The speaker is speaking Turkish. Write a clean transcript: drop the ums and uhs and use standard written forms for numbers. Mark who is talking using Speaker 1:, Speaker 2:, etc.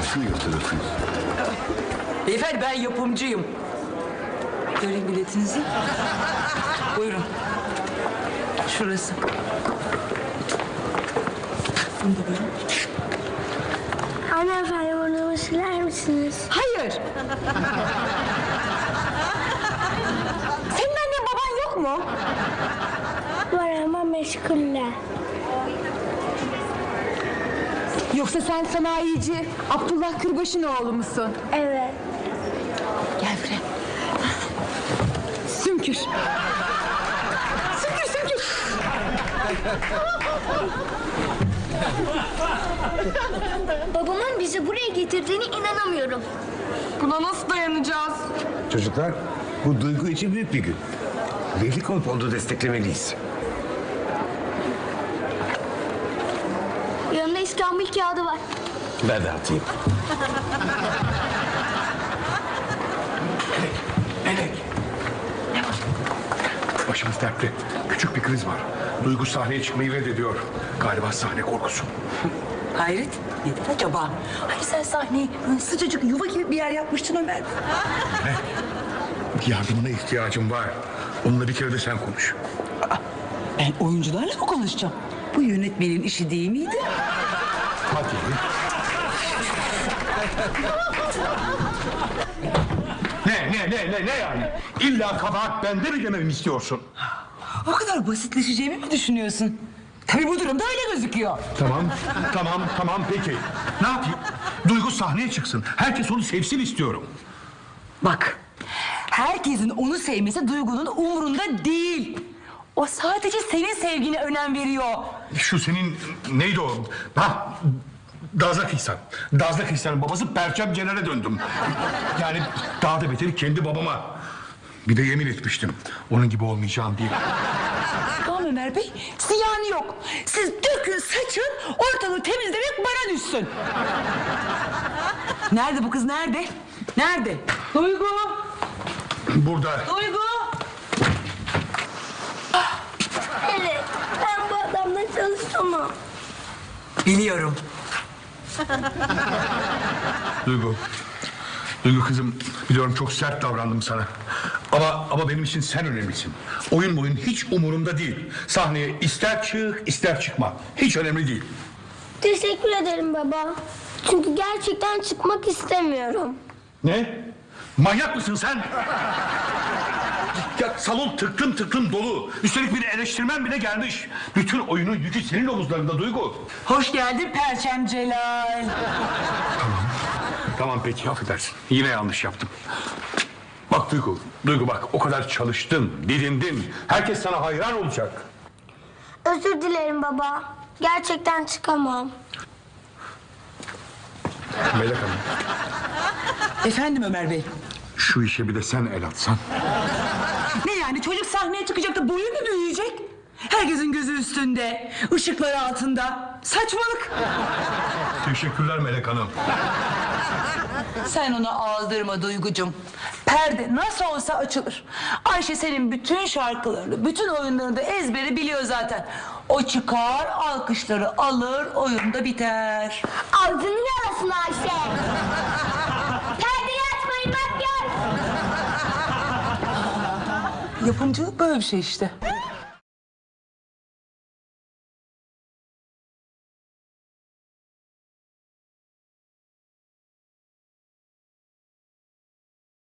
Speaker 1: Nasıl yırtılırsınız?
Speaker 2: Beyefendi ben yapımcıyım. Göreyim biletinizi. Buyurun. Şurası. Bunu da buyurun.
Speaker 3: Hanımefendi burnumu siler misiniz?
Speaker 2: Hayır. Senin annen baban yok mu?
Speaker 3: Var ama meşguller.
Speaker 4: Yoksa sen sanayici Abdullah Kırbaş'ın oğlu musun?
Speaker 3: Evet.
Speaker 2: Gel buraya.
Speaker 4: Sümkür. Sümkür sümkür.
Speaker 3: Babamın bizi buraya getirdiğine inanamıyorum.
Speaker 4: Buna nasıl dayanacağız?
Speaker 1: Çocuklar, bu Duygu için büyük bir gün. Birlik olup onu desteklemeliyiz.
Speaker 3: Yanında İstanbul kağıdı var.
Speaker 1: Ben de atayım.
Speaker 5: Melek. Başımız dertte. Küçük bir kriz var. Duygu sahneye çıkmayı reddediyor. Galiba sahne korkusu.
Speaker 2: Hayret. Nedir acaba? Hani sen sahneyi böyle sıcacık yuva gibi bir yer yapmıştın Ömer.
Speaker 5: Yardımına ihtiyacım var. Onunla bir kere de sen konuş.
Speaker 2: Ben oyuncularla mı konuşacağım? Bu yönetmenin işi değil miydi?
Speaker 5: Hadi. Ne yani? İlla kabahat bende mi dememi istiyorsun?
Speaker 2: O kadar basitleşeceğimi mi düşünüyorsun? Tabii bu durumda öyle gözüküyor.
Speaker 5: Tamam peki. Ne yapayım? Duygu sahneye çıksın. Herkes onu sevsin istiyorum.
Speaker 2: Bak, herkesin onu sevmesi Duygu'nun umurunda değil. O sadece senin sevgine önem veriyor.
Speaker 5: Şu senin neydi o? Ha, Dazlak İhsan. Dazlak İhsan'ın babası Perçem Cener'e döndüm. Yani daha da beteri kendi babama. Bir de yemin etmiştim. Onun gibi olmayacağım diye.
Speaker 2: Tamam Ömer Bey, ziyanı yok. Siz dökün, saçın, ortalığı temizlemek bana düşsün. Nerede bu kız, nerede? Nerede? Duygu!
Speaker 5: Burada.
Speaker 2: Duygu!
Speaker 3: Evet. Ben bu adamla çalışamam.
Speaker 2: Biliyorum.
Speaker 5: Duygu. Duygu kızım, biliyorum çok sert davrandım sana. Ama benim için sen önemlisin. Oyun hiç umurumda değil. Sahneye ister çık ister çıkma. Hiç önemli değil.
Speaker 3: Teşekkür ederim baba. Çünkü gerçekten çıkmak istemiyorum.
Speaker 5: Ne? Manyak mısın sen? Ya salon tıklım dolu. Üstelik bir eleştirmen bile gelmiş. Bütün oyunun yükü senin omuzlarında Duygu.
Speaker 2: Hoş geldin Perçem Celal.
Speaker 5: Tamam peki affedersin. Yine yanlış yaptım. Bak Duygu bak o kadar çalıştın, didindin. Herkes sana hayran olacak.
Speaker 3: Özür dilerim baba. Gerçekten çıkamam.
Speaker 5: Melek Hanım,
Speaker 2: Efendim Ömer Bey.
Speaker 5: şu işe bir de sen el atsan.
Speaker 2: Ne yani, çocuk sahneye çıkacak da boyu mu büyüyecek? Herkesin gözü üstünde, ışıklar altında. Saçmalık.
Speaker 5: Teşekkürler Melek Hanım.
Speaker 2: Sen onu aldırma Duygucum. Perde nasıl olsa açılır. Ayşe senin bütün şarkılarını, bütün oyunlarını da ezberi biliyor zaten. O çıkar, alkışları alır, oyun da biter.
Speaker 3: Ağzını yarasın Ayşe. Perdeyi açmayın makyaj.
Speaker 2: Yapımcılık böyle bir şey işte.